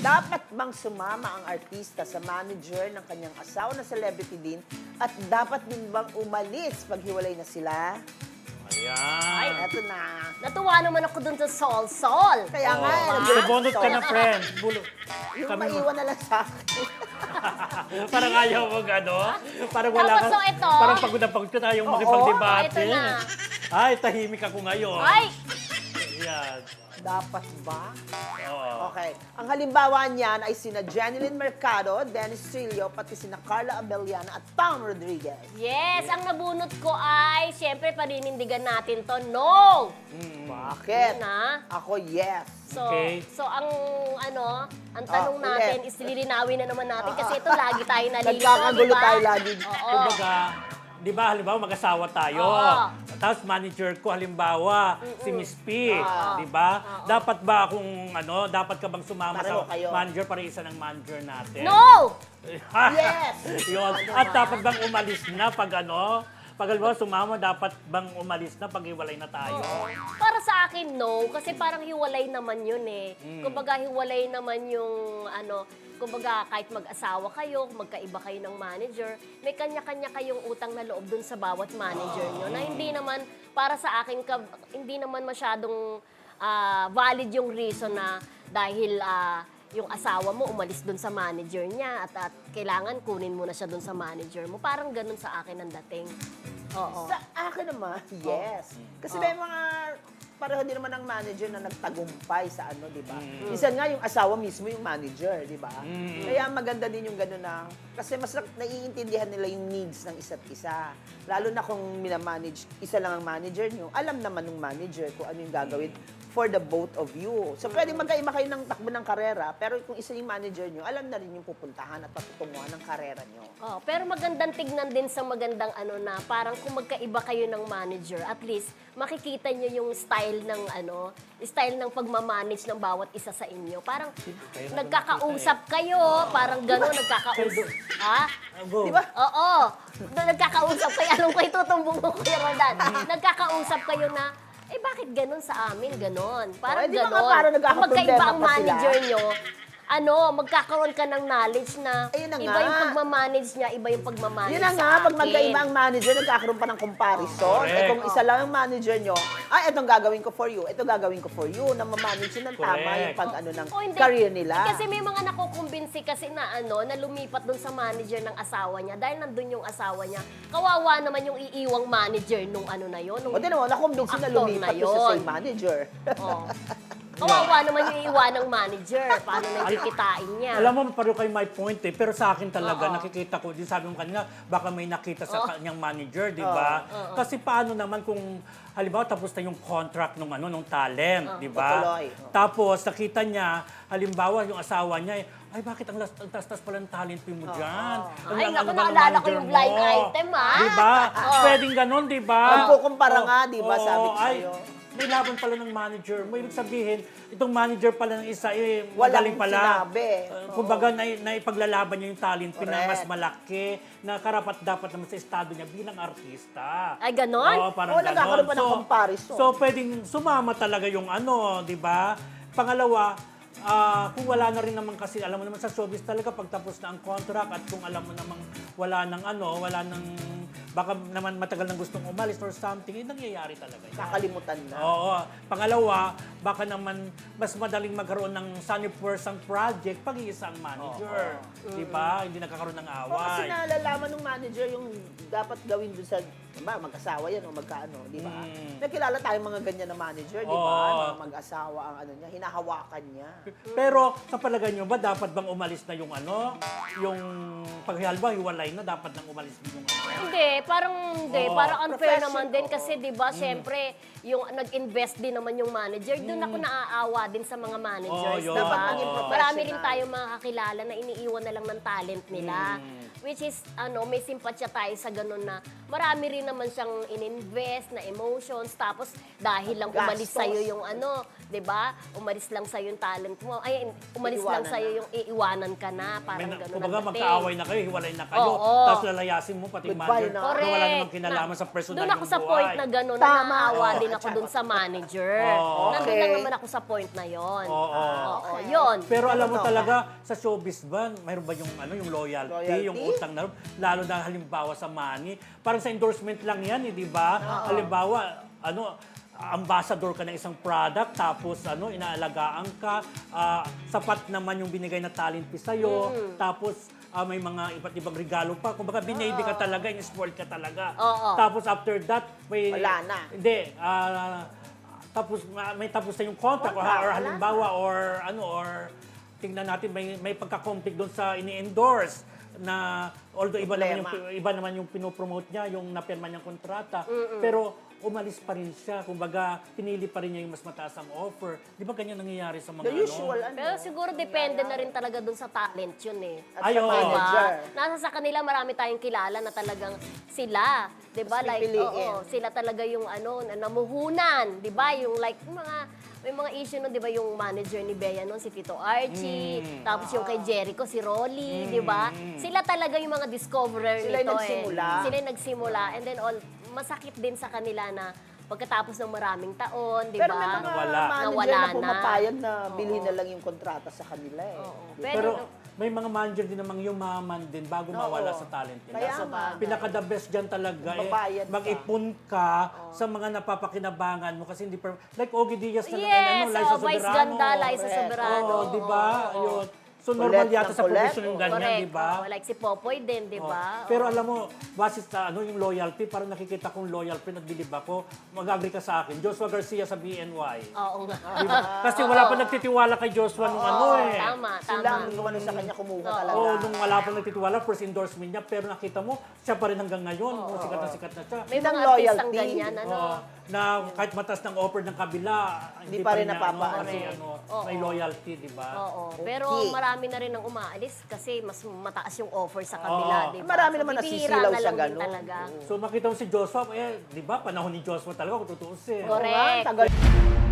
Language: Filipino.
Dapat bang sumama ang artista sa manager ng kanyang asawa na celebrity din at dapat din bang umalis pag hiwalay na sila? Ayan. Eto na. Natuwa naman ako dun sa Sol. Kaya nga, Bunot ka na, friend. yung maiwan na lang sa akin. Parang ayaw mo Parang wala Tapos, ka. so ito. Parang pagod na pagod ka tayong makipagdebate. Ito na. Ay, tahimik ako ngayon. Ay! Ayan. Dapat ba? Oo. Okay. Ang halimbawa niyan ay sina Jeneline Mercado, Dennis Trillo, pati sina Carla Abellana at Tom Rodriguez. Yes, ang nabunot ko ay, syempre, paninindigan natin to. No! Bakit? Yun na. Ako, yes. So, Okay. so ang tanong ulit. natin is lilinawin na naman natin kasi ito lagi tayo nalilito, Nagkakagulo di ba? tayo lagi. Oo. Kumbaga, di ba, halimbawa mag-asawa tayo. Oo. Tapos manager ko, halimbawa, si Miss P. Di ba? Dapat ba dapat ka bang sumama Pareho sa kayo. manager para isa ng manager natin? No! Yes! Yun. At dapat bang umalis na pag pag halimbawa sumama, dapat bang umalis na pag hiwalay na tayo? Para sa akin, no. Kasi parang hiwalay naman yun eh. Kumbaga, hiwalay naman yung kumbaga, kahit mag-asawa kayo, magkaiba kayo ng manager, may kanya-kanya kayong utang na loob dun sa bawat manager nyo na hindi naman, para sa akin, hindi naman masyadong valid yung reason na dahil yung asawa mo umalis dun sa manager niya at kailangan kunin mo na siya dun sa manager mo. Parang ganun sa akin ang dating. Oo. Sa akin naman, yes. Kasi may mga pareho din naman ang manager na nagtagumpay sa di ba? Minsan nga yung asawa mismo yung manager, di ba? Kaya maganda din yung gano'n na, kasi mas naiintindihan nila yung needs ng isa't isa. Lalo na kung minamanage, isa lang ang manager nyo, alam naman ng manager kung ano yung gagawin for the both of you. So, pwedeng magkaima kayo ng takbo ng karera, pero kung isa yung manager nyo, alam na rin yung pupuntahan at patutunguhan ng karera nyo. Oh, pero magandang tignan din sa magandang na parang kung magkaiba kayo ng manager, at least makikita nyo yung style ng pagmamanage ng bawat isa sa inyo. Parang nagkakausap kayo, parang gano'n, nagkakausap. Ha? Go. Di ba? Oo. Nagkakausap kayo. Alam ko, itutumbong mo, Kuya Roldan. Nagkakausap kayo na, bakit ganun sa amin? Ganon. Parang di ba nga ganon. parang Kung nagkakaproblema magkaiba ang pa sila? manager nyo, magkakaroon ka ng knowledge na Ayun na iba nga. yung pagmamanage niya, iba yung pagmamanage Yun na nga, sa pag akin. magkaiba ang manager, nagkakaroon pa ng comparison. Correct. Kung isa lang ang manager nyo, itong gagawin ko for you, ito gagawin ko for you, na mamanage yun ng tama Correct. yung pag ng O, hindi. career nila. Kasi may mga nakukumbinsi kasi na na lumipat dun sa manager ng asawa niya dahil nandun yung asawa niya. Kawawa naman yung iiwang manager nung na yun. Nung O din naman, nakumbinsin na actor lumipat na doon sa yun. same manager. Oh. Kawawa naman yung iiwan ng manager. Paano na kikitain niya? Alam mo, pareho kayo my point pero sa akin talaga, nakikita ko, din sabi mo kanina, baka may nakita sa kanyang manager, di ba? Kasi paano naman kung, halimbawa, tapos na yung contract nung talent, di ba? Tutuloy. Tapos, nakita niya, halimbawa, yung asawa niya, ay, bakit ang tas-tas pala ng talent fee mo dyan? Ay, naku, ba ng naalala ko manager yung blind mo? item, ha? Di ba? Pwedeng ganon, di ba? Magkukumpara nga, di ba, sabi ko ay, sa'yo. may laban pala ng manager mo. Ibig sabihin, itong manager pala ng isa, Walang magaling pala. sinabi. Kumbaga, naipaglalaban niya yung talent na Correct. mas malaki, na karapat dapat naman sa estado niya bilang artista. Ay, ganon? Oo, parang Oo, nagkakaroon pa ng comparison. So, pwedeng sumama talaga yung di ba? Pangalawa, kung wala na rin naman kasi, alam mo naman sa showbiz talaga, pagtapos na ang contract at kung alam mo namang wala nang baka naman matagal nang gustong umalis or something, nangyayari talaga yan. Kakalimutan na. Oo. Pangalawa, baka naman mas madaling magkaroon ng sunny person project pag iisa ang manager. Di ba? Hindi nagkakaroon ng O kasi away. nalalaman ng manager yung dapat gawin doon sa, mag-asawa yan o magkaano, di ba? Nakilala tayong mga ganyan na manager, di ba? Oo. Mga mag-asawa ang niya, hinahawakan niya. Pero sa palagay nyo ba, dapat bang umalis na yung yung paghihalba, hiwalay na, dapat nang umalis din yung Hindi, parang unfair Profession, naman din oo. kasi 'di ba, syempre, yung nag-invest din naman yung manager. Doon ako naaawa din sa mga managers, yun. 'di Dapat ba? maging professional. Marami rin tayong mga kakilala na iniiwan na lang ng talent nila. Which is may simpatya tayo sa ganun na marami rin naman siyang ininvest na emotions, tapos dahil lang umalis Gastos. sa'yo yung ano, 'di ba? Umalis lang sa'yo yung talent mo. Ay, umalis lang Iiwanan sa'yo yung iiwanan ka na, parang gano'n. Kumbaga ang dating. magkaaway na kayo, hiwalay na kayo, Oo. tapos lalayasin mo pati yung Goodbye manager na. na Correct. wala namang kinalaman sa personal Doon ako yung sa buhay. point na gano'n, na Tama. naawa Oo. din ako doon sa manager. Oo. Nandun Okay. lang naman ako sa point na yon. Oo. Oo, yun. Pero alam mo Totoo. talaga, sa showbiz ba, mayroon ba yung, yung loyalty, Loyalty? yung utang na loob? Lalo na halimbawa sa money. Parang sa endorsement lang yan, di ba? Halimbawa, ambassador ka ng isang product, tapos inaalagaan ka, sapat naman yung binigay na talent fee sa'yo, tapos may mga iba't ibang regalo pa. Kumbaga, binaby ka talaga, in-spoiled ka talaga. Oo. Tapos after that, may... Wala na. Hindi, tapos may tapos na yung contract or Wala halimbawa or tingnan natin may pagka-conflict doon sa ini-endorse na although iba naman yung pinopromote niya, yung napirma niyang kontrata, pero umalis pa rin siya. Kumbaga, pinili pa rin niya yung mas mataas ang offer. Di ba ganyan nangyayari sa mga The usual, Pero siguro depende na rin talaga dun sa talent yun eh. At sa Ay, oo. manager. Nasa sa kanila marami tayong kilala na talagang sila, 'di ba? Mas Like pipiliin. sila talaga yung na namuhunan, 'di ba? Yung like may mga issue nun, 'di ba, yung manager ni Bea noon si Tito Archie, tapos yung kay Jericho si Rolly, 'di ba? Sila talaga yung mga discoverer Sila yung nito nagsimula. Sila yung nagsimula, and then masakit din sa kanila na pagkatapos ng maraming taon, 'di Pero may ba? mga Nawala. manager Nawala na na. pumapayag na bilhin na lang yung kontrata sa kanila eh. Pero may mga manager din namang yumaman din bago mawala sa talent nila. Kaya So, nga. pinaka-the best dyan talaga Magbabayad ka. mag-ipon ka sa mga napapakinabangan mo kasi hindi like Ogie Diaz na Yes, Liza Vice Soberano. Ganda, Liza Correct. Soberano. Oo, di ba? Oo. Yun. So normal Colette yata ng sa Colette. profession yung ganyan, Correct. di ba? Like si Popoy din, di Oh. ba? Pero alam mo, base sa yung loyalty, parang nakikita kong loyal friend at bilib ako, mag-agree ka sa akin. Joshua Garcia sa BNY. Oo nga. Di ba? Kasi wala pa nagtitiwala kay Joshua nung eh. Tama, Sila tama. ang sa kanya kumuha talaga. Oo, nung wala pang nagtitiwala, first endorsement niya, pero nakita mo, siya pa rin hanggang ngayon. Sikat na siya. May Yun ang mga artistang loyalty. ganyan, Oo, na kahit mataas ng offer ng kabila, Hindi pa rin niya, napapaano. kasi may loyalty, di ba? Oo. Pero Okay. marami na rin ang umaalis kasi mas mataas yung offer sa kabila, Oo. di ba? Marami naman bibihira nasisilaw na sa lang din ganun. talaga. So makita mo si Joshua, di ba, panahon ni Joshua talaga kung tutuusin. Correct. Tagal.